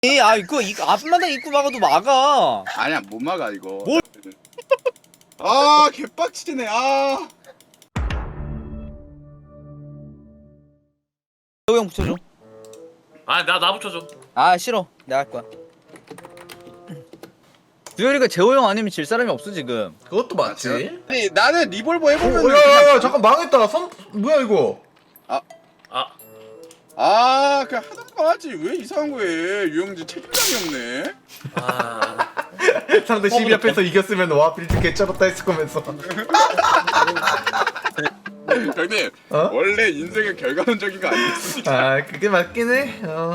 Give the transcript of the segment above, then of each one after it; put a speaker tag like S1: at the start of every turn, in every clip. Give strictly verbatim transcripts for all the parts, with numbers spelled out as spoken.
S1: 아 이거 이거 앞마당 입구 막아도 막아.
S2: 아니야 못 막아 이거.
S1: 뭘?
S2: 아 개빡치네. 아.
S1: 재호 형 붙여줘.
S3: 아 나 나 붙여줘.
S1: 아 싫어. 내가 할 거야. 두열이가 재호 형 아니면 질 사람이 없어 지금.
S4: 그것도 맞지.
S2: 아니 나는 리볼버 해보면.
S4: 오야야야 잠깐 망했다. 선 뭐야 이거?
S3: 아
S2: 아 그냥 하던 거 하지 왜 이상한 거해. 유영진 책임감이 없네.
S3: 아.
S4: 상대 십이 앞에서 이겼으면 와 빌드 개쩔었다 했을 거면서.
S2: 형님
S4: 어?
S2: 원래 인생은 결과론적인 거 아니겠습니까?
S4: 아 그게 맞긴 해. 어.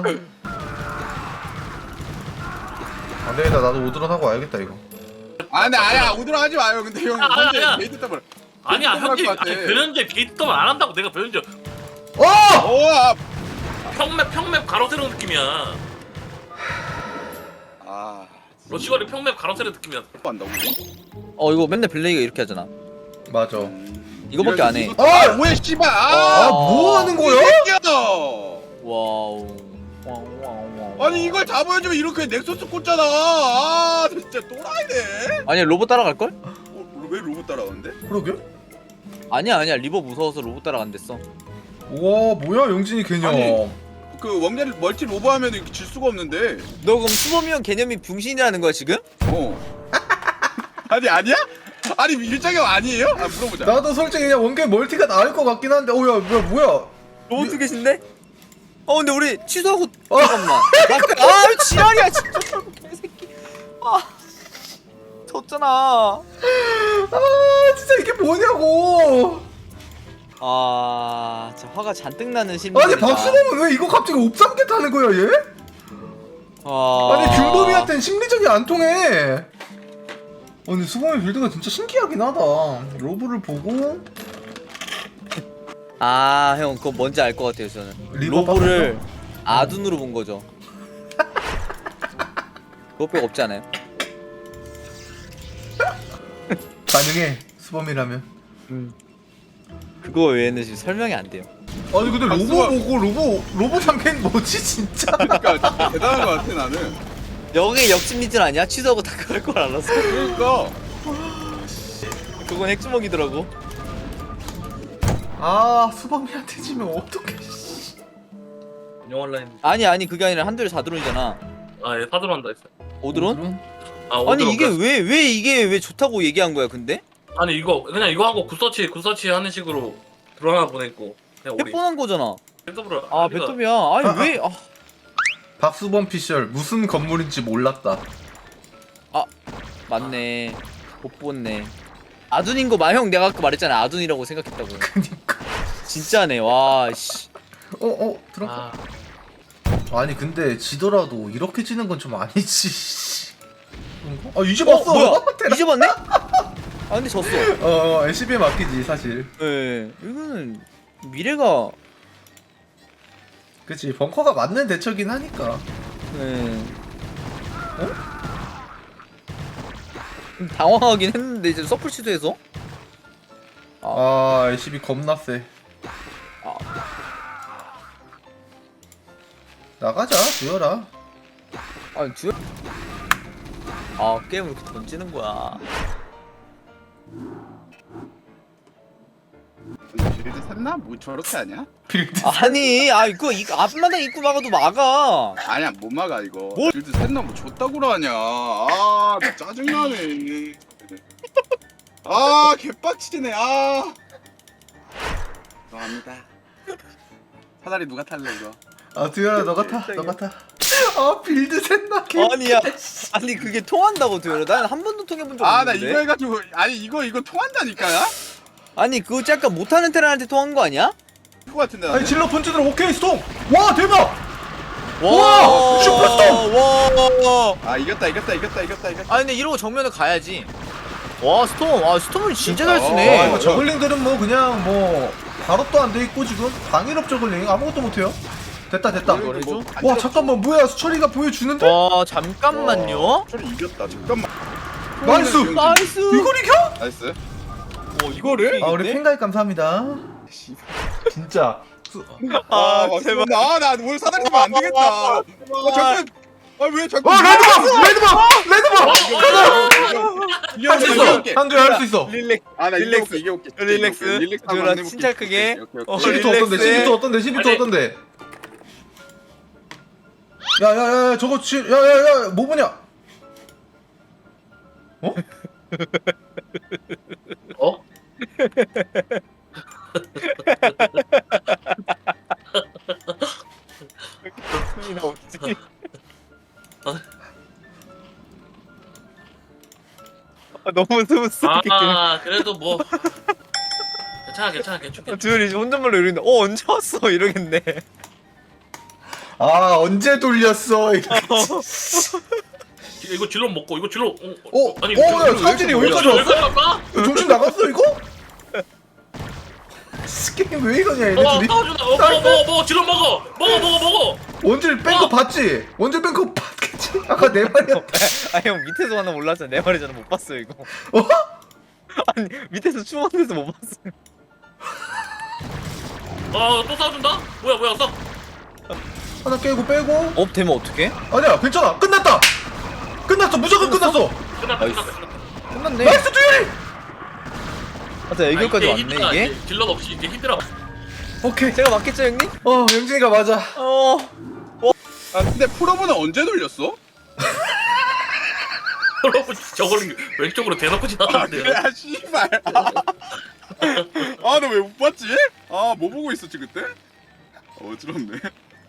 S4: 안 되겠다. 나도 오드런 하고 와야겠다 이거.
S2: 아 근데 아야 오드라 하지 마요. 근데 형
S3: 아, 아,
S2: 현재
S3: 야.
S2: 게이트 더블.
S3: 아니야
S2: 게이트 더블
S3: 형님
S2: 할것 같아.
S3: 아니 변현재 게이트 더블 안 한다고 내가 변현재
S4: 어!
S2: 오 아.
S3: 평맵 평맵 가로세로 느낌이야.
S2: 아.
S3: 러시거리 평맵 가로세로 느낌이야.
S2: 또 한다고?
S1: 어 이거 맨날 블레이가 이렇게 하잖아.
S4: 맞아.
S1: 이거밖에 안 해.
S2: 이거- 아 뭐야 씨발.
S4: 아
S2: 아.
S4: 뭐 하는 거야?
S1: 와우. 와우 와우 와우.
S2: 아니 이걸 다 보여주면 이렇게 넥서스 꽂잖아. 아 진짜 또라이네.
S1: 아니야 로봇 따라갈 걸?
S2: 어, 왜 로봇 따라가는데?
S4: 그러게?
S1: 아니야 아니야 리버 무서워서 로봇 따라간댔어.
S4: 와 뭐야 영진이 개념.
S2: 아니. 그 왕자를 멀티 로버 하면 질 수가 없는데.
S1: 너 그럼 수범이 형 개념이 병신이라는 거야 지금?
S2: 어. 아니 아니야? 아니 일장형 아니에요? 아 물어보자.
S4: 나도 솔직히 그냥 원게 멀티가 나을 것 같긴 한데. 오야 뭐야 뭐야?
S1: 로봇 계신데? 어 근데 우리 취소하고
S4: 어.
S1: 잠깐만. 아 지랄이야 진짜 철구 개새끼. 아 졌잖아.
S4: 아 진짜 이게 뭐냐고.
S1: 아 진짜 화가 잔뜩 나는 심리.
S4: 아니 박수범은 왜 이거 갑자기 옵삼개 타는 거야 얘?
S1: 아...
S4: 아니 균범이한테는 심리적이 안 통해. 아니 수범이 빌드가 진짜 신기하긴 하다. 로브를 보고
S1: 아, 형 그거 뭔지 알 것 같아요 저는.
S4: 리버
S1: 로보를 아둔으로 본 거죠. 그거 빼고 없지 않아요?
S4: 가능해 수범이라면.
S1: 그거 외에는 지금 설명이 안 돼요.
S4: 아니 근데 로보
S2: 박수범.
S4: 보고 로보 로보 삼캔 뭐지 진짜?
S2: 그러니까 진짜 대단한 거 같아 나는.
S1: 여기 역심리전 아니야? 취소하고 다 그럴 걸 알았어.
S2: 그러니까.
S1: 그건 핵주먹이더라고.
S4: 아 수범이한테 지면 어떡해.
S3: 영화 라인.
S1: 아니 아니 그게 아니라 한두에 사드론이잖아.
S3: 아예 사드로 한다 했어.
S1: 오드론?
S3: 아
S1: 아니
S3: 오드론
S1: 이게
S3: 그래.
S1: 왜 왜 이게 왜 좋다고 얘기한 거야 근데?
S3: 아니 이거 그냥 이거 하고 굿서치 굿서치 하는 식으로 드러나 보냈고 그냥 우리
S1: 뻔한 거잖아.
S3: 배터브를
S1: 아 배톱이야. 아니
S4: 아,
S1: 왜? 아,
S4: 박수범 피셜 무슨 건물인지 몰랐다.
S1: 맞네. 못 봤네. 아둔인 거 마형 내가 아까 말했잖아. 아둔이라고 생각했다고.
S4: 그니까.
S1: 진짜네. 와 씨.
S4: 어어 들어.
S3: 아
S4: 아니 근데 지더라도 이렇게 지는 건 좀 아니지. 그런가? 아 이제
S1: 어
S4: 봤어.
S1: 뭐야?
S4: 대박.
S1: 이제 봤네? 아 근데 졌어.
S4: 어 엘씨비에 맡기지 사실.
S1: 예. 이거는 미래가
S4: 그치 벙커가 맞는 대처긴 하니까.
S1: 예. 어? 좀 당황하긴 했는데 이제 서플 시도해서
S4: 아 엘씨비 겁나 세.
S1: 아.
S4: 나가자 두열아.
S1: 아니 듀. 아 게임을 이렇게 던지는 거야.
S2: 빌드 샀나? 뭐 저렇게 하냐?
S4: 빌드.
S1: 아니 아 이거 이거 앞마당 입구 막아도 막아.
S2: 아니야 못 막아 이거.
S1: 뭘?
S2: 빌드 샀나 뭐 줬다고 하냐. 아 짜증나네. 아 개빡치네. 아. 감사합니다. 사다리 누가 탈래 이거?
S4: 아 두열아 너가 타. 너가 타. 아 빌드 샜나 개.
S1: 아니야. 아니 그게 통한다고 듀얼. 난한 번도 통해본 적
S2: 아 나
S1: 없는데.
S2: 이거 해가지고 아니 이거 이거 통한다니까요?
S1: 아니 그거 약간 못하는 테란한테 통한 거 아니야?
S2: 그거 같은데
S4: 아니
S2: 나는?
S4: 질러 펀치들 오케이 스톰. 와 대박.
S1: 와
S4: 슈퍼스톰!
S1: 와.
S2: 아 이겼다 이겼다 이겼다 이겼다 이겼다.
S1: 아 근데 이러고 정면을 가야지. 와 스톰. 아 스톰을 진짜 잘
S4: 아
S1: 쓰네.
S4: 이거 저글링들은 뭐 그냥 뭐 발업도 안 돼 있고 지금 방일업 저글링 아무것도 못해요. 됐다 됐다.
S2: 이거 뭐
S4: 와 잠깐만 뭐야 수철이가 보여주는데?
S1: 와 잠깐만요.
S2: 저리 이겼다 잠깐만.
S4: 나이스!
S1: 나이스.
S4: 이걸 이겨?
S2: 나이스.
S1: 와 이거를?
S4: 아 우리 팬가입 감사합니다. 진짜.
S2: 아, 제발. 아, 나 오늘 사다리 주면 안 되겠다. 아, 잠깐. 아왜 자꾸?
S4: 어 레드밤! 레드밤! 레드밤!
S2: 이게
S4: 할 수 있어! 한두야 할 수 있어!
S1: 릴렉.
S2: 아나
S1: 릴렉스.
S2: 이게 올게.
S1: 릴렉스.
S2: 릴렉스 한번
S1: 주라,
S2: 해볼게.
S1: 진짜 크게.
S2: 오케이, 오케이,
S1: 어,
S2: 오케이.
S4: 시비토 어떤데?
S1: 릴렉스.
S4: 시비토 어떤데? 시비토
S3: 아니.
S4: 어떤데? 야야야 저거 지 야야야 뭐 보냐? 어?
S3: 어?
S1: 소리나 없지. 아, 너무 스무스하게
S3: 아 그래도 뭐 괜찮아 괜찮아 괜찮아.
S1: 두열이 혼잣말로 이러는데 어 언제 왔어 이러겠네.
S4: 아 언제 돌렸어? 이거.
S3: 이거 질러 먹고 이거 질러. 어,
S4: 어?
S3: 아니
S4: 어,
S3: 질러-
S4: 야, 사진이
S3: 질러-
S4: 여기까지
S3: 질러-
S4: 왔어?
S3: 질러 갈까?
S4: 이거 정신 나갔어 이거? 게임 왜 이러냐 얘네
S3: 어
S4: 둘이?
S3: 싸워준다. 어 먹어 먹어 먹어 질러 먹어 먹어 먹어 먹어.
S4: 원질 뺀거
S3: 어.
S4: 봤지? 원질 뺀거 봤겠지? 아까 내 말이었다.
S1: 아 형 밑에서 하나 몰랐잖아. 내 말이잖아. 못 봤어요 이거.
S4: 어?
S1: 아니 밑에서 추웠는데서 못 봤어요.
S3: 아또 싸워준다. 뭐야 뭐야 싸.
S4: 하나 깨고 빼고.
S1: 업 되면 어떡해?
S4: 아니야 괜찮아 끝났다. 끝났어 무조건 끝났어.
S3: 끝났다
S1: 나이스.
S3: 끝났다. 끝났다.
S1: 끝났네.
S4: 나이스 두열이.
S1: 아, 저 애교까지
S3: 아,
S1: 왔네
S3: 힘들어,
S1: 이게.
S3: 이제 질럿 없이 이제 힘들어.
S4: 오케이.
S1: 제가 맞겠죠 형님?
S4: 어 영진이가 맞아.
S1: 어.
S2: 아 근데 프로브는 언제 돌렸어?
S3: 여러분 저걸 왼쪽으로 대놓고
S2: 아
S3: 지나가는데요.
S2: 그래 아 씨발. 아 너 왜 못 봤지? 아 뭐 보고 있었지 그때? 어지럽네.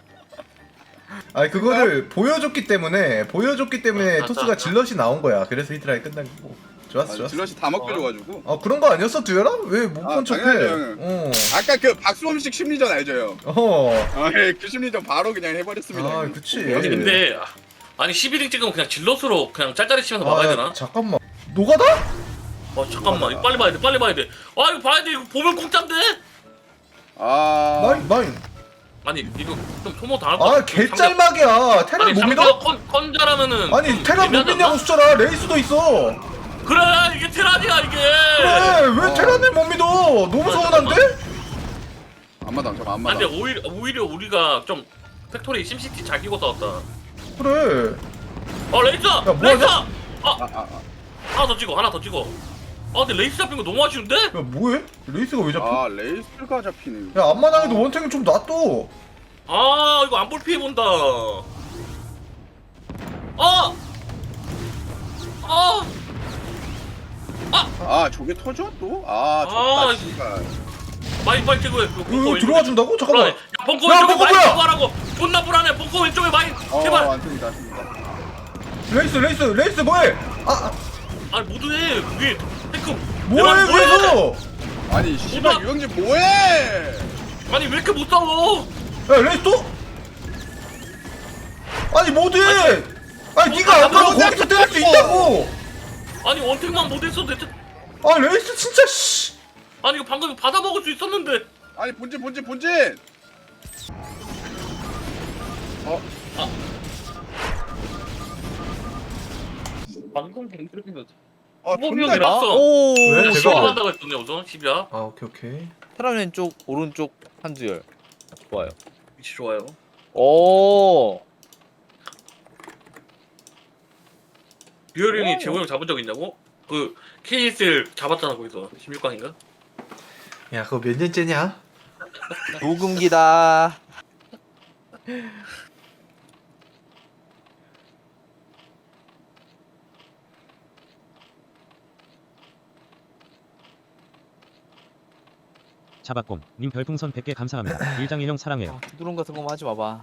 S4: 아니 그거를 보여줬기 때문에 보여줬기 때문에
S3: 아,
S4: 토스가
S3: 맞다.
S4: 질럿이 나온 거야. 그래서 히드라이 끝난 거고. 좋았어
S2: 아,
S4: 좋았어.
S2: 질럿이 다 먹혀줘가지고.
S4: 어 그런 거 아니었어 두열아? 왜 못
S2: 아,
S4: 본 척해?
S2: 당연하죠, 형은.
S4: 어.
S2: 아까 그 박수범식 심리전 알죠 형?
S4: 어.
S2: 아그 심리전 바로 그냥 해버렸습니다.
S4: 아,
S2: 형님.
S4: 그치.
S3: 아니 근데 아니 십일 등 찍으면 그냥 질럿으로 그냥 짤짤이 치면서 막아야
S4: 아,
S3: 되나?
S4: 잠깐만. 노가다?
S3: 아 잠깐만 이거 빨리 봐야 돼 빨리 봐야 돼. 아 이거 봐야 돼 이거 보면 공짜인데?
S2: 아
S4: 마인 마인.
S3: 아니 이거 좀 소모 당할 것
S4: 아
S3: 같아.
S4: 개짤막이야. 테라
S3: 아니
S4: 못
S3: 상대가
S4: 믿어?
S3: 컨 컨자라면은
S4: 아니
S3: 좀
S4: 테라 못
S3: 애매하지
S4: 믿냐고
S3: 않나?
S4: 숫자라 레이스도 있어.
S3: 그래 이게 테란이야 이게.
S4: 그래 왜
S2: 어.
S4: 테라를 못 믿어? 너무
S3: 아,
S4: 서운한데?
S2: 안마당 저
S3: 아
S2: 안마당.
S3: 근데 오히려 오히려 우리가 좀 팩토리 심시티 잘 끼고 싸웠다.
S4: 그래.
S3: 어 레이스!
S4: 뭐하냐?
S3: 레이스!
S2: 아,
S3: 아
S2: 아, 아.
S3: 하나 더 찍어 하나 더 찍어. 아 근데 레이스 잡힌 거 너무 아쉬운데?
S4: 야 뭐해? 레이스가 왜 잡혀?
S2: 아 레이스가 잡히네.
S4: 야 앞마당에도 원탱이 좀 놔둬.
S3: 아 이거 안 볼 피해 본다. 아! 아!
S2: 아 저게 터져 또? 아
S3: 아,
S2: 좋다 씨발.
S3: 많이 빨리 찍어야 그
S4: 이거 들어와 준다고? 잠깐만.
S3: 야 벙커
S4: 야,
S3: 왼쪽에
S4: 벙커
S3: 많이
S4: 뭐야?
S3: 찍고 하라고. 존나 불안해. 벙커 왼쪽에 많이
S2: 어
S3: 제발.
S2: 안습니다 안습니다.
S4: 레이스 레이스 레이스 뭐해? 아, 아
S3: 아니 모두해 위에 탱크.
S4: 뭐해
S3: 내 말
S4: 위에서?
S2: 아니 씨발
S3: 오빠.
S2: 유영진 뭐해?
S3: 아니 왜 이렇게 못 싸워?
S4: 야 레이스 또? 아니 뭐해? 아니 네가 안 가고 거기서 때릴 수 있다고.
S3: 아니 원탱만 못했어 대체.
S4: 아 레이스 진짜 씨.
S3: 아니 이거 방금 받아 먹을 수 있었는데.
S2: 아니 본진 본진 본진. 어
S3: 방금 갱들이면
S2: 아
S3: 수범이
S2: 존나
S3: 형이랑
S1: 아,
S3: 어.
S1: 오.
S4: 왜?
S3: 시험
S4: 제가-
S3: 한다고 했던데 우선 십이야.
S4: 아 오케이 오케이.
S1: 테라 왼쪽 오른쪽 한두열. 좋아요.
S3: 위치 좋아요.
S1: 오.
S3: 듀얼 형이
S1: 어.
S3: 재호 형 잡은 적 있냐고? 그 케이에스엘 잡았잖아 거기서 십육 강인가?
S4: 야 그거 몇 년째냐?
S1: 녹음기다.
S5: 자박곰 님 별풍선 백 개 감사합니다. 일장일형 사랑해요.
S1: 아, 두드론 같은 거만 하지 마봐.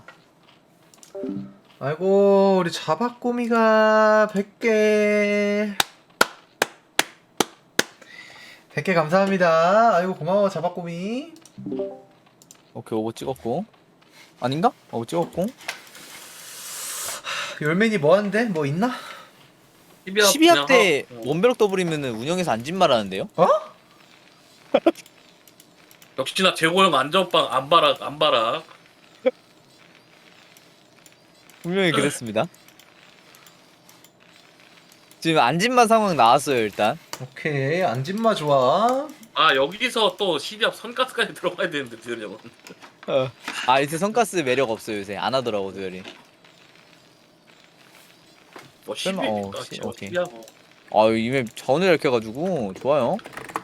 S4: 아이고 우리 자박꼬미가 백 개 백 개 감사합니다. 아이고 고마워 자박꼬미.
S1: 오케이 오버 찍었고. 아닌가? 오버 찍었고.
S4: 열맨이 뭐 하는데? 뭐 있나?
S1: 십이 합 때
S3: 어.
S1: 원베럭 더블이면은 운영에서 안진 말하는데요?
S4: 어?
S3: 역시나 재호 형 안전빵 안바락 안바락.
S1: 분명히 그랬습니다. 지금 안진마 상황 나왔어요 일단.
S4: 오케이 안진마 좋아.
S3: 아 여기서 또 십이 합 선가스까지 들어가야 되는데 듀얼 형은.
S1: 아 이제 성가스 매력 없어요 요새 안 하더라고 두열이.
S3: 뭐 십이.
S1: 설마, 어,
S3: 아,
S1: 시-
S3: 지금
S1: 오케이.
S3: 십이야 뭐.
S1: 아 이맵 자원을 이렇게 해가지고 좋아요.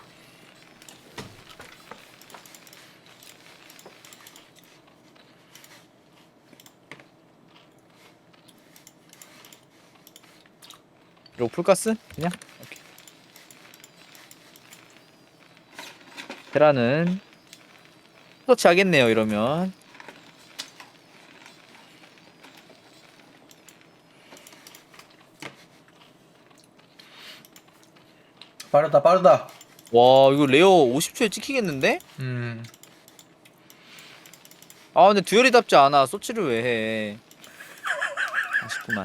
S1: 이거 풀가스? 그냥? 오케이. 테라는 터치 하겠네요 이러면.
S4: 빠르다 빠르다.
S1: 와 이거 레어 오십 초에 찍히겠는데?
S4: 음.
S1: 아 근데 듀얼이답지 않아. 소치를 왜 해? 아쉽구만.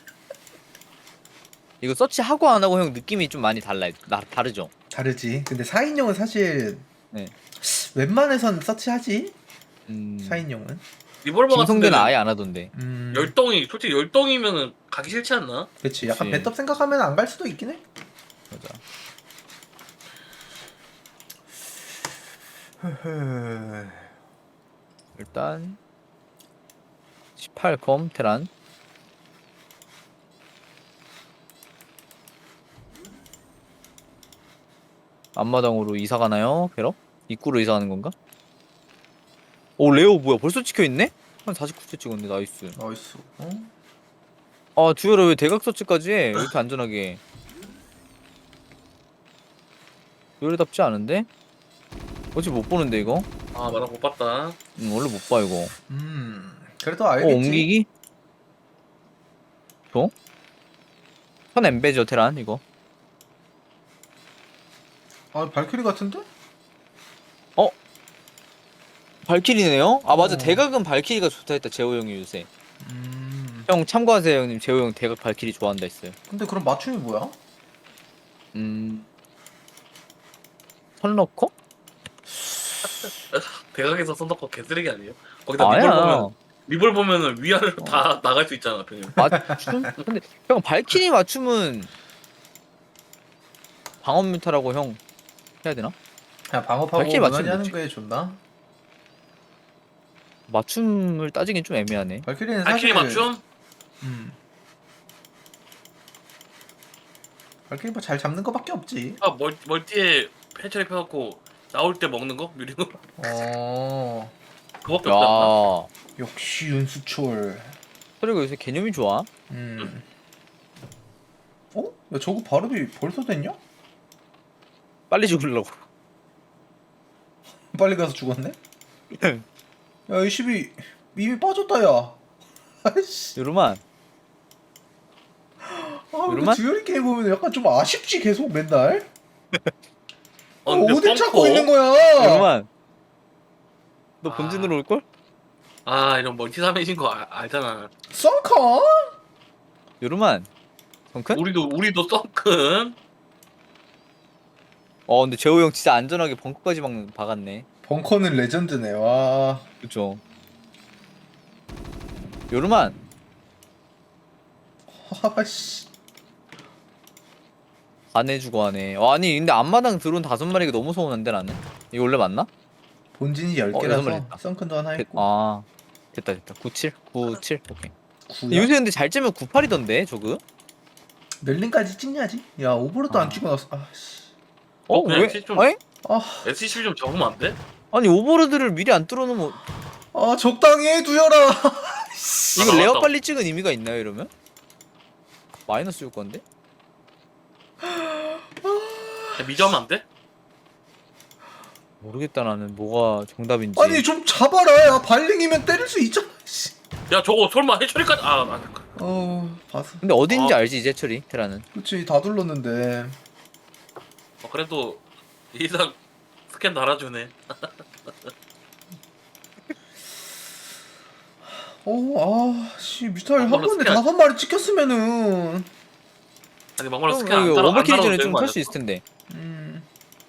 S1: 이거 서치하고 안 하고 형 느낌이 좀 많이 달라요. 나 다르죠?
S4: 다르지. 근데 사 인용은 사실
S1: 네.
S4: 웬만해선 서치하지.
S1: 음.
S4: 사 인용은.
S3: 리볼버 같은
S1: 김성대는
S3: 데는
S1: 아예 안 하던데.
S4: 음.
S3: 열동이 솔직히 열동이면은 가기 싫지 않나?
S4: 그렇지. 약간
S1: 그치.
S4: 배떡 생각하면 안 갈 수도 있긴 해.
S1: 맞아. 일단 십팔 컴 테란. 앞마당으로 이사 가나요? 배럭? 입구로 이사 가는 건가? 오 레오 뭐야 벌써 찍혀 있네? 한 사십구 초 찍었네. 나이스.
S4: 나이스. 어?
S1: 아 듀얼을 왜 대각 서치까지 해? 왜 이렇게 안전하게? 듀얼답지 않은데? 어찌 못 보는데 이거?
S3: 아 맞아 못 봤다.
S1: 음, 원래 못 봐 이거.
S4: 음. 그래도
S1: 어
S4: 알겠지.
S1: 옮기기? 줘? 선 엠베죠 테란 이거.
S4: 아 발키리 같은데?
S1: 발키리네요? 아 맞아
S4: 어.
S1: 대각은 발키리가 좋다 했다 재호 형이 요새.
S4: 음.
S1: 형 참고하세요 형님. 재호 형 대각 발키리 좋아한다 했어요.
S4: 근데 그럼 맞춤이 뭐야?
S1: 음... 선러커?
S3: 대각에서 선덕거 개쓰레기 아니에요? 거기다
S1: 아니야.
S3: 리볼 보면 리볼 보면은 위아래로 다 나갈 수 있잖아 병님.
S1: 맞춤? 근데 형 발키리 맞춤은 방언 뮤타라고 형 해야 되나?
S4: 그냥 방어하고
S1: 발키리 맞춤이
S4: 무난히 하는
S1: 뭐지?
S4: 게 좋나?
S1: 맞춤을 따지긴 좀 애매하네.
S4: 발키리는 사실
S3: 발키리 맞춤?
S4: 음. 발키리 뭐 잘 잡는 거밖에 없지.
S3: 아 멀, 멀티에 해처리 펴놓고 나올 때 먹는 거? 유리로?
S4: 어.
S3: 그거밖에 없지 않나?
S1: 야
S4: 역시 윤수철.
S1: 그리고 요새 개념이 좋아.
S4: 음. 어? 야 저거 발음이 벌써 됐냐?
S1: 빨리 죽으려고.
S4: 빨리 가서 죽었네? 야 이 십이 이미 빠졌다 야. 아이씨.
S1: 요르만
S4: 아 근데
S1: 요르만?
S4: 듀얼이 게임 보면 약간 좀 아쉽지 계속 맨날.
S3: 어,
S4: 어,
S3: 근데
S4: 어딜 찾고
S3: 벙커?
S4: 있는 거야?
S1: 요르만 너
S3: 아.
S1: 본진으로 올걸?
S3: 아 이런 멀티 삼해진 거 아, 알잖아.
S4: 썬컨?
S1: 요르만 성큰?
S3: 우리도 우리도 썬큰.
S1: 어 근데 재호 형 진짜 안전하게 벙커까지 막 박았네.
S4: 벙커는 레전드네. 와.
S1: 그쵸. 요르만
S4: 아씨.
S1: 안 해주고 하네. 어, 아니 근데 앞마당 드론 다섯 마리가 너무 서운한데 나는. 이거 원래 맞나?
S4: 본진이 열
S1: 어, 여섯 마리
S4: 개라서
S1: 됐다.
S4: 썬큰도 하나
S1: 됐,
S4: 했고.
S1: 아 됐다 됐다. 구칠 구칠 오케이.
S4: 구야?
S1: 요새 근데 잘 째면 구팔이던데 저그?
S4: 멜린까지 찍냐지? 야 오버로드
S1: 아.
S4: 안 찍고 나서 아씨.
S1: 어
S3: 그냥
S1: 왜?
S3: 좀-
S1: 아니?
S4: 아,
S3: 에스씨 좀 적으면 안 돼?
S1: 아니 오버로드를 미리 안 뚫어놓으면
S4: 아 적당히 해 두열아.
S1: 이거
S3: 아,
S1: 레어
S3: 맞다.
S1: 빨리 찍은 의미가 있나요 이러면? 마이너스 줄 건데?
S3: 미저하면 안 돼?
S1: 모르겠다 나는 뭐가 정답인지.
S4: 아니 좀 잡아라. 야 발링이면 때릴 수 있잖아. 씨.
S3: 야 저거 설마 해처리까지 아, 아
S4: 어 봤어.
S1: 근데 어딘지
S3: 어.
S1: 알지 이제 처리 테라는.
S4: 그렇지 다 둘렀는데.
S3: 어, 그래도 이상 스캔 달아주네.
S4: 어아씨 뮤탈 한
S3: 막말로
S4: 번에
S3: 스캔-
S4: 다섯 마리 찍혔으면은.
S3: 아니 막말로
S1: 형,
S3: 스캔 안
S1: 이거
S3: 달아 안
S1: 오버킬이
S3: 달아도
S1: 전에
S3: 되는
S1: 좀
S3: 거
S1: 털 수
S3: 아니야?
S1: 있을 텐데.
S4: 음.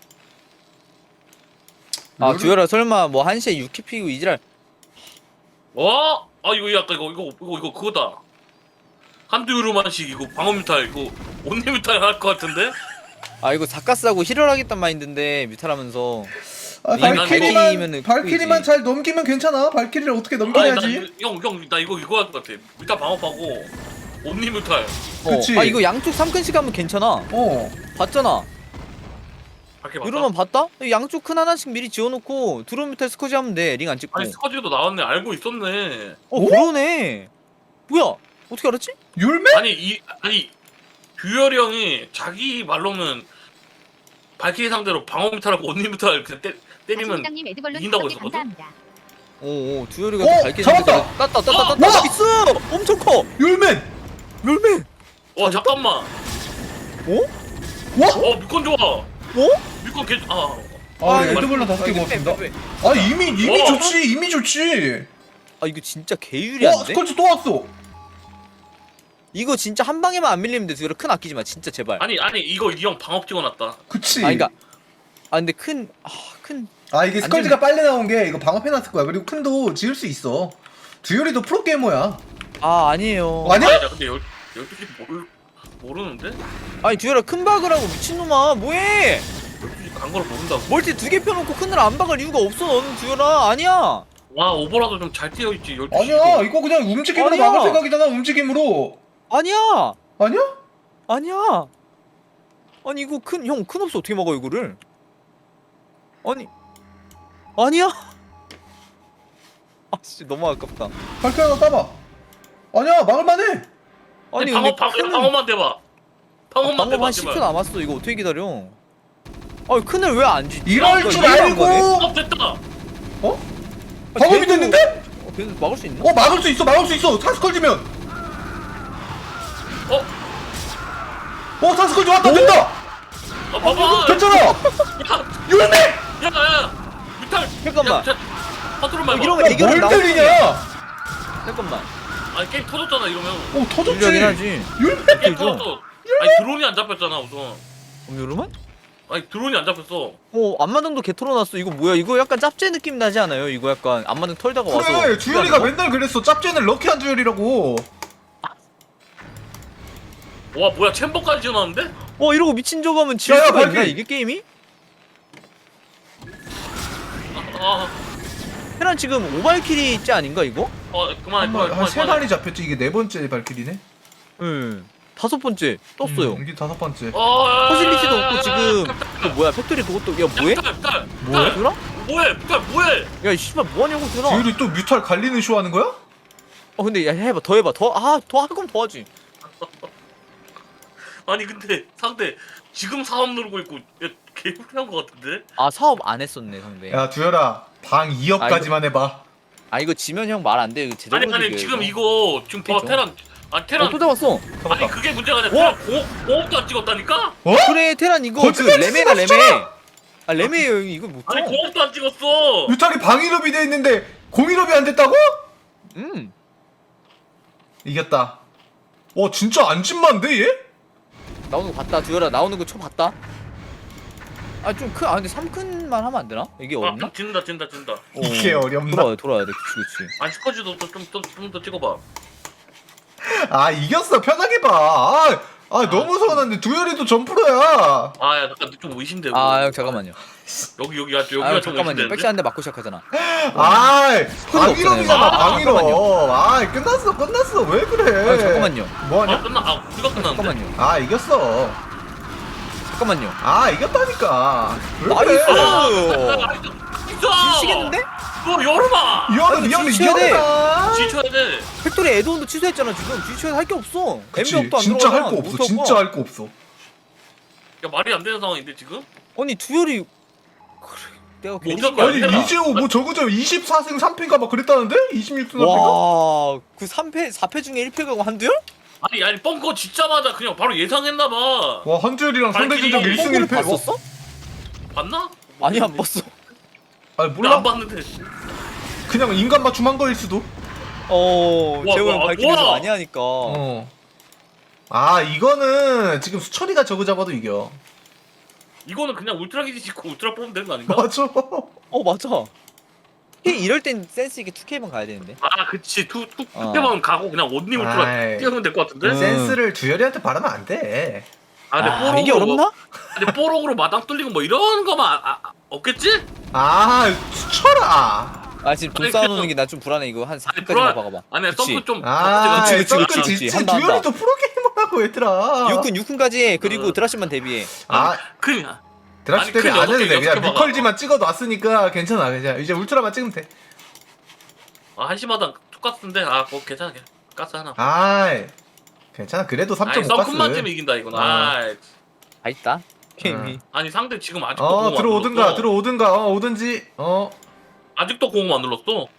S1: 아
S4: 룰을-
S1: 듀얼아 설마 뭐 한 시에 육 키 피고 이지랄.
S3: 어? 아 이거 약간 이거 이거 이거 이거 그거다. 한두 유로만씩 이거 방어 뮤탈 이거 온리 뮤탈 할 것 같은데?
S1: 아 이거 사카스하고 힐을 하겠단 마인드인데 뮤탈하면서.
S4: 아
S1: 이건
S4: 발키리만
S1: 발키리면은
S4: 발키리만
S1: 끄이지.
S4: 잘 넘기면 괜찮아. 발키리를 어떻게
S3: 아니
S4: 넘겨야지?
S3: 나형형 나 이거 이거 할 것 같아. 뮤탈 방어하고 온리뮤탈.
S1: 어.
S4: 그치.
S1: 아 이거 양쪽 삼 칸씩 하면 괜찮아.
S4: 어.
S1: 봤잖아.
S3: 밖에 봤다.
S1: 이러면 봤다? 양쪽 큰 하나씩 미리 지어놓고 드론 밑에 스커지 하면 돼. 링 안 찍고.
S3: 아니 스커지도 나왔네. 알고 있었네.
S1: 어
S4: 오?
S1: 그러네. 뭐야? 어떻게 알았지?
S4: 율매?
S3: 아니 이 아니 듀얼이 형이 자기 말로는 발키리 상대로 방어뮤탈하고 온리뮤탈 그냥 때, 때리면
S6: 장님 에드벌룬
S3: 이긴다고
S6: 다섯 개
S3: 했었거든?
S6: 감사합니다.
S1: 오오 듀얼이가
S4: 어,
S1: 밝게
S4: 잡았다!
S1: 땄다 땄다
S3: 어,
S1: 땄다
S4: 와!
S1: 나이스! 엄청 커!
S4: 율맨!
S1: 멸매!
S3: 어 잠깐만.
S1: 어?
S4: 와?
S3: 어 미콘 좋아.
S1: 어?
S3: 미콘 개. 아
S4: 아,
S1: 이거
S4: 에드벌룬 다섯 개
S1: 이거
S4: 고맙습니다.
S1: 빼, 빼, 빼.
S4: 아, 이미, 이미
S3: 어?
S4: 좋지, 이미 좋지.
S1: 아 이거 진짜
S4: 와,
S1: 개유리한데?
S4: 스컬지 또 왔어.
S1: 이거 진짜 한 방에만 안 밀리면 돼. 듀얼 큰 아끼지 마 진짜 제발.
S3: 아니 아니 이거 이 형 방업 찍어놨다.
S4: 그치.
S1: 아 그니까 아 근데 큰.. 아 큰..
S4: 아, 이게
S1: 안
S4: 스컬지가 빨리 나온 게 이거 방업해놨을 거야. 그리고 큰도 지을 수 있어. 듀얼이도 프로게이머야.
S1: 아 아니에요.
S4: 아니야?
S3: 아니 나 근데 열 열두 시 모르 모르는데?
S1: 아니 듀얼아 큰 박을 하고 미친놈아 뭐해!
S3: 열두 시 간 걸 모른다고.
S1: 멀티 두 개 펴놓고 큰을 안 박을 이유가 없어 너는 듀얼아. 아니야.
S3: 와 오버라도 좀 잘 뛰어 있지. 열두 시.
S4: 아니야, 이거 그냥 움직임으로
S1: 아니야.
S4: 막을 생각이잖아, 움직임으로.
S1: 아니야.
S4: 아니야?
S1: 아니야. 아니 이거 큰 형 큰 없어 어떻게 막아 이거를? 아니 아니야. 아씨 너무 아깝다.
S4: 발표 하나 따봐. 아니야, 막을만해.
S1: 아니
S3: 방어
S1: 근데
S3: 방
S1: 큰은-
S3: 방어만 대봐. 방어만
S1: 방금
S3: 대봐
S1: 한 십 초
S3: 제발.
S1: 남았어. 이거 어떻게 기다려? 아 큰을 왜 안 쥐?
S4: 이럴
S1: 이거
S4: 줄
S1: 이해가 안
S4: 알고.
S1: 가네.
S3: 어 됐다.
S4: 어?
S1: 아,
S4: 방업이
S1: 걔도-
S4: 됐는데?
S1: 어, 걔도 막을 수 있나?
S4: 어, 막을 수 있어, 막을 수 있어. 사스컬지면.
S3: 어?
S4: 어, 사스컬지 왔다, 된다.
S3: 아 봐봐.
S4: 됐잖아.
S3: 야,
S4: 율매!
S3: 야, 야, 뮤탈.
S1: 잠깐만.
S3: 파트로만
S1: 어,
S3: 해봐.
S1: 이러면
S4: 야,
S1: 애교를
S4: 뭘
S1: 나오는
S4: 때리냐?
S1: 잠깐만.
S3: 아니 게임 터졌잖아 이러면.
S4: 오, 터졌지.
S1: 유리하긴 하지.
S4: 율매!
S3: 게임
S1: 그죠?
S3: 터졌어. 아니 드론이 안 잡혔잖아 우선.
S1: 그럼 요러면?
S3: 아니 드론이 안 잡혔어.
S1: 어 앞마당도 개 털어놨어. 이거 뭐야? 이거 약간 짭제 느낌 나지 않아요? 이거 약간 앞마당 털다가 와서.
S4: 그래, 주열이가
S1: 거?
S4: 맨날 그랬어. 짭제는 럭키한 주열이라고.
S3: 와 뭐야 챔버까지 지어놨는데?
S1: 어 이러고 미친 적 하면 질
S4: 야, 야,
S1: 수가 있나
S4: 발길.
S1: 이게 게임이?
S3: 아,
S1: 테란 지금 오발킬이 째 아닌가 이거?
S3: 어 그만해 그만해
S4: 한세
S3: 그만해.
S4: 마리 잡혔지. 이게 네 번째 발길이네.
S1: 응. 다섯 번째 떴어요.
S4: 음, 이게 다섯 번째.
S3: 어,
S1: 퍼실리티도 없고 지금 또 뭐야? 팩토리 그것도 야 뭐해?
S3: 뮤탈 뮤탈
S1: 뭐해?
S3: 뮤탈
S1: 들어?
S3: 뭐해 뮤탈 뭐해?
S1: 야이 씨발 뭐하냐고 들어.
S4: 주열이 또 뮤탈 갈리는 쇼 하는 거야?
S1: 어 근데 야 해봐 더 해봐 더아더 할 거면 더 하지.
S3: 아니 근데 상대 지금 사업 누르고 있고 야, 개불한 거 같은데?
S1: 아 사업 안 했었네 상대.
S4: 야, 주열아. 방 이 억까지만 해봐.
S1: 아 이거 지면 형 말 안 돼. 이거 제대로
S3: 아니 아니
S1: 움직여,
S3: 지금
S1: 이거.
S3: 이거 지금 봐
S1: 그쵸?
S3: 테란 아 테란
S1: 어, 또 잡았어.
S3: 아니
S4: 잡았다.
S3: 그게 문제가 아니라 테란 공업 공업도 안 찍었다니까?
S4: 어?
S1: 그래 테란 이거 그
S4: 거짓말
S1: 레메가
S4: 치지
S1: 레메.
S4: 마,
S1: 아 레메예요 형이 이거 못
S3: 아니
S1: 쳐.
S3: 공업도 안 찍었어.
S4: 뮤탈이 방 일 업이 돼 있는데 공 일 업이 안 됐다고?
S1: 음.
S4: 이겼다. 와, 진짜 안진만데 얘?
S1: 나오는 거 봤다. 두열아 나오는 거 쳐 봤다. 아 좀 큰. 아 근데 삼 큰만 하면 안 되나? 이게
S3: 아
S1: 어렵나?
S3: 진다 진다 진다.
S4: 이게
S1: 어,
S4: 어렵나?
S1: 돌아야 돌아야 돼. 그치 그치.
S3: 아니 스커지도 좀좀 더 찍어봐.
S4: 아, 이겼어. 편하게 봐. 아, 아 너무 서운한데 두열이도 점프로야.
S3: 아야 잠깐 좀 의심돼.
S1: 아 형 잠깐만요.
S3: 여기 여기가 여기가
S1: 아 형,
S3: 좀
S1: 잠깐만요.
S3: 의심되는데?
S1: 백시 한 대 맞고 시작하잖아.
S4: 아, 방 일 업이잖아.
S3: 아,
S4: 방 일 업.
S1: 잠깐만요.
S4: 아, 끝났어. 끝났어. 왜 그래?
S1: 아 잠깐만요.
S3: 아
S4: 뭐하냐?
S3: 끝나 아 우리가 끝났는데?
S1: 잠깐만요.
S4: 아, 이겼어.
S1: 잠깐만요.
S4: 아, 이겼다니까. 왜
S1: 나이스!
S4: 그래?
S3: 아, 진짜!
S1: 지시겠는데?
S3: 너 여름아!
S4: 이거는
S1: 아니,
S4: 미안해.
S1: 지쳐야 돼.
S4: 이겼다.
S3: 지쳐야 돼.
S1: 팩토리 에드온도 취소했잖아 지금. 지쳐야 할 게 없어.
S4: 그치.
S1: 엠비업도 안
S4: 진짜 할
S1: 들어가잖아.
S4: 거 없어.
S1: 못할
S4: 진짜
S1: 거야.
S4: 할 거 없어.
S3: 야 말이 안 되는 상황인데 지금?
S1: 아니 두열이 그래, 내가 괜히
S3: 어떡해.
S4: 아니,
S3: 해라.
S4: 이재호 뭐 저거 저 이십사 승 삼 패인가 막 그랬다는데? 이십육 승 삼 패인가?
S1: 와, 그 삼 패, 사 패 중에 일 패 가고 한두열?
S3: 아니 아니 뻥커 짓자마자 그냥 바로 예상했나봐.
S4: 와, 한주열이랑 상대
S3: 발길이
S4: 전적 일 승 일 패.
S1: 봤었어?
S3: 봤나?
S1: 아니 안 봤어.
S4: 아니,
S3: 나
S4: 몰라?
S3: 안 봤는데.
S4: 그냥 인간 맞춤한 거일 수도.
S1: 어,
S3: 와,
S1: 재호 형
S3: 와,
S1: 발길에서
S3: 와.
S1: 많이 하니까.
S4: 어. 아, 이거는 지금 수철이가 저거 잡아도 이겨.
S3: 이거는 그냥 울트라 기지 짓고 울트라 뽑으면 되는 거 아닌가?
S4: 맞아.
S1: 어 맞아. K 이럴 땐 센스 있게 투 케이만 가야 되는데.
S3: 아 그치 투투
S1: 어.
S3: 투표만 가고 그냥 온리 울트라
S4: 아이.
S3: 뛰어면 될 것 같은데?
S1: 음.
S4: 센스를 두열이한테 바라면 안 돼.
S3: 아 근데
S1: 아,
S3: 뽀록으로
S1: 이게 어렵나?
S3: 뭐, 근데 뽀록으로 마당 뚫리고 뭐 이런 거만 아, 아, 없겠지?
S4: 아, 수철아.
S1: 아 지금 돈
S3: 아니,
S1: 쌓아놓는
S3: 그-
S1: 게 나 좀 불안해 이거 한
S3: 아니,
S1: 사 분까지만
S3: 불안-
S1: 박아봐.
S3: 아니야
S1: 그치.
S3: 썬크 좀
S4: 아
S1: 그치, 그치,
S4: 썬크
S1: 그치, 그치.
S4: 지치
S1: 한다,
S4: 두열이
S1: 한다.
S4: 또 프로게이머라고 얘들아.
S1: 육군 육군까지 해. 그리고
S3: 어.
S1: 드라십만 대비해.
S4: 아
S3: 그냥
S4: 드랍십
S3: 아니,
S4: 때문에
S3: 큰
S4: 안 해도
S3: 여섯 개,
S4: 돼. 그냥
S3: 여섯 개 박아.
S4: 뮤컬지만 찍어 놨으니까 괜찮아. 그냥 이제 울트라만 찍으면 돼.
S3: 아, 한시마다 똑같은데 아뭐 괜찮아 그냥 가스 하나.
S4: 아이 괜찮아. 그래도
S3: 아니
S4: 삼 점 오 가스.
S3: 썬크만 쯤 이긴다 이건.
S4: 어.
S3: 아
S1: 다 있다. 게임이.
S3: 아니 상대 지금 아직도
S4: 어
S3: 공을 안
S4: 들어오든가
S3: 눌렀어.
S4: 들어오든가 어 오든지 어
S3: 아직도 공을 안 눌렀어.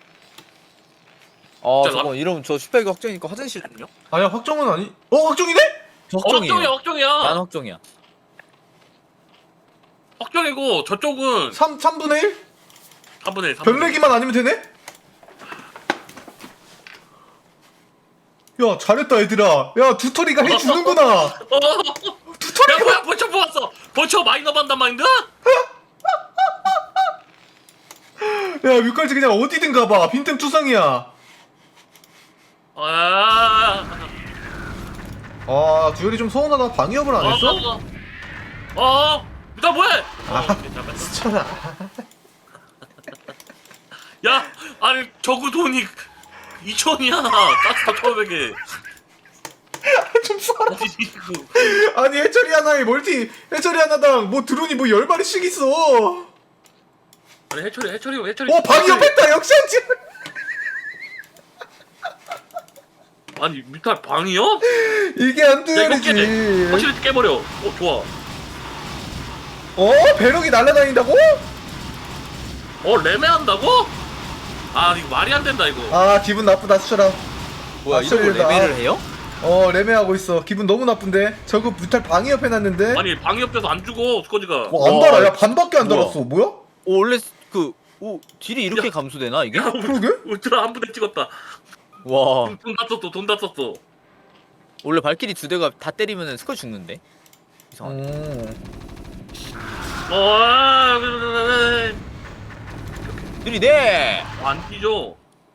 S1: 어
S3: 진짜
S1: 저거 이러면 저 슈퍼기 확정이니까 화장실
S4: 아니야 확정은 아니 어 확정이네?
S3: 어,
S1: 확정이에요.
S3: 확정이야 확정이야.
S1: 난 확정이야.
S3: 확정이고 저쪽은
S4: 삼, 삼분의 일?
S3: 삼분의 일. 삼분의 일.
S4: 변내기만 아니면 되네? 야 잘했다 얘들아. 야 두터리가 해주는구나.
S3: 어,
S4: 두터리.
S3: 야 뭐야 벌쳐 뽑았어. 벌쳐 마이너 반단 마인드?
S4: 야 뮤컬지 그냥 어디든 가봐. 빈틈 투성이야.
S3: 아.
S4: 아 두열이 좀 서운하다. 방위업을 안 했어?
S3: 어. 어. 나 뭐해?
S4: 아.
S3: 어, 괜찮아.
S4: 스쳐라.
S3: 야, 아니 저그 돈이 이천이야. 가스터 천오백에.
S4: 좀 써라. 아니 해처리 하나에 멀티 해처리 하나당 뭐 드론이 뭐 열 마리씩 있어.
S3: 아니 해처리 해처리 해처리.
S4: 어 방위업 했다. 역시 한지.
S3: 아니 뮤탈 방이요?
S4: 이게
S3: 야 이거 깨.
S4: 한두열이지.
S3: 확실히 깨버려. 어 좋아.
S4: 어 배럭이 날아다닌다고?
S3: 어 레메한다고? 아 이거 말이 안 된다 이거.
S4: 아 기분 나쁘다 수철아.
S1: 뭐야
S4: 아,
S1: 이러고
S4: 소리다.
S1: 레벨을 해요?
S4: 어 레메하고 있어. 기분 너무 나쁜데. 저거 뮤탈 방위업 해놨는데.
S3: 아니 방역 돼서 안 죽어 스커지가.
S4: 뭐 안
S1: 와,
S4: 달아. 야 반밖에 안
S1: 뭐야.
S4: 달았어. 뭐야?
S1: 오, 원래 그 오, 딜이 이렇게
S3: 야.
S1: 감소되나 이게?
S4: 그러게?
S3: 울트라 한 부대 찍었다.
S1: 와
S3: 돈 다 썼어 돈 다 썼어.
S1: 원래 발키리 두 대가 다 때리면은 스커 죽는데. 이상하네.
S4: 어.
S3: 어. 아, 그래, 그래, 그래.
S1: 느리네.
S3: 안 뛰죠.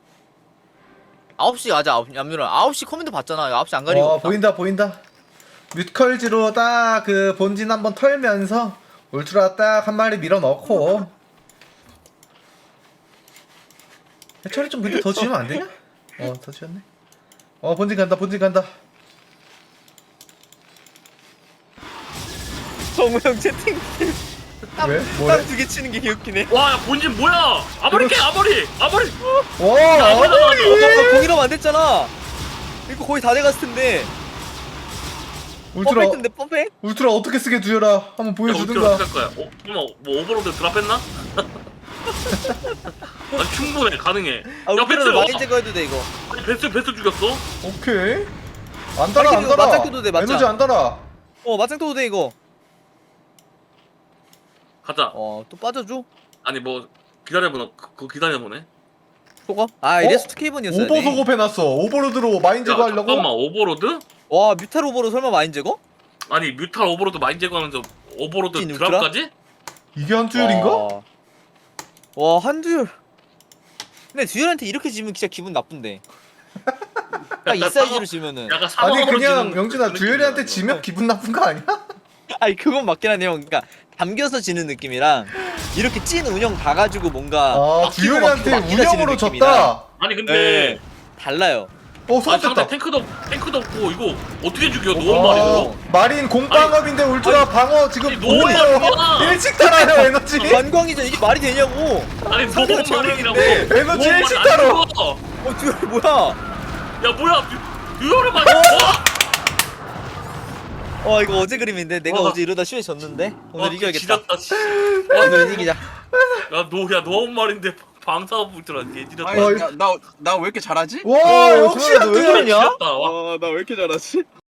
S1: 아홉 시 가자. 얌유라 아홉 시 커맨드 봤잖아. 아홉 시 안 가리고.
S4: 어 보인다 보인다. 뮤컬지로 딱 그 본진 한번 털면서 울트라 딱 한 마리 밀어 넣고. 해철이 좀 근데 더 지으면 안 되냐? 어 더 지었네. 어 본진 간다 본진 간다.
S1: 정우형 채팅.
S4: 왜? 뭐래?
S1: 땅두개 치는 게 개웃기네.
S3: 와, 야, 본진 뭐야? 아머리 깨, 아머리, 아머리.
S4: 와
S3: 야,
S4: 아무리.
S1: 어, 공이라면 안 됐잖아. 이거 거의 다 돼갔을 텐데.
S4: 울트라
S1: 퍼펙트인데 퍼펙트?
S4: 울트라 어떻게 쓰게 두여라. 한번
S3: 야, 어떻게
S4: 보여주든가.
S3: 어떻게 할 거야? 어, 설마 뭐 오버로드 드랍했나? 아니 충분해, 가능해.
S1: 아,
S3: 야,
S1: 우리는
S3: 배틀
S1: 많이
S3: 와.
S1: 제거해도 돼 이거.
S3: 아니 배스 배스 죽였어?
S4: 오케이. 안 달아 안
S1: 발키리도
S4: 달아.
S1: 맞짱 껴도 돼, 맞짱.
S4: 에너지 안 달아.
S1: 어 맞짱 떠도 돼 이거.
S3: 가자.
S1: 어또 빠져줘.
S3: 아니 뭐 기다려보나? 그, 그 기다려보네.
S1: 속어? 아 이래서 투케이번이었어야
S4: 오버
S1: 돼.
S4: 소급 해놨어. 오버로드로 마인
S3: 야,
S4: 제거하려고.
S3: 잠깐만 오버로드?
S1: 와 뮤탈 오버로 설마 마인 제거?
S3: 아니 뮤탈 오버로드 마인 제거하면서 오버로드
S1: 찐 울트라?
S3: 드랍까지?
S4: 이게 한투율인가?
S1: 와, 와 한두열. 근데 두열한테 이렇게 지면 진짜 기분 나쁜데. 딱 이 사이즈로 지면은.
S3: 약간
S4: 아니
S3: 사망으로
S4: 그냥
S3: 지는
S4: 영준아
S3: 그
S4: 두열이한테
S3: 느낌이야,
S4: 지면 기분 나쁜 거 아니야?
S1: 아니 그건 맞긴 하네요. 그러니까 담겨서 지는 느낌이랑 이렇게 찐 운영 봐가지고 뭔가
S4: 아
S1: 막히고
S4: 두열이한테
S1: 막히고 막히다
S4: 운영으로
S1: 지는
S4: 졌다.
S3: 이거. 아니 근데
S1: 네. 달라요.
S4: 어
S3: 아니 상대
S4: 소급됐다.
S3: 탱크도 탱크도 없고 이거 어떻게 죽여? 너무
S4: 어,
S3: 말이야.
S4: 마린 공방업인데 울트라 방어 지금
S3: 아니, 너무
S4: 뭐예요?
S3: 많아.
S4: 일찍 달아요 에너지.
S1: 관광이전 이게 말이 되냐고.
S3: 아니
S1: 상대가
S3: 너무 말이라고.
S1: 제일인데.
S4: 에너지
S3: 너무
S4: 일찍
S3: 말이 안
S4: 달아.
S3: 죽어.
S1: 어 두열 뭐야?
S3: 야 뭐야? 듀얼을 맞아.
S1: 어 이거 어제 그림인데 내가
S3: 와.
S1: 어제 이러다 시에 졌는데 오늘 이겨야겠다.
S3: 지렸다. 씨.
S1: 오늘 이기자.
S3: 야너야 너무 말인데 방사업 울트라 개지렸다.
S2: 아니
S4: 어,
S2: 나나 왜 이렇게 잘하지?
S4: 와
S1: 어,
S4: 역시
S1: 두열아, 너왜
S4: 한투율.
S1: 그러냐?
S3: 지렸다. 와.
S2: 아 나 왜 이렇게 잘하지?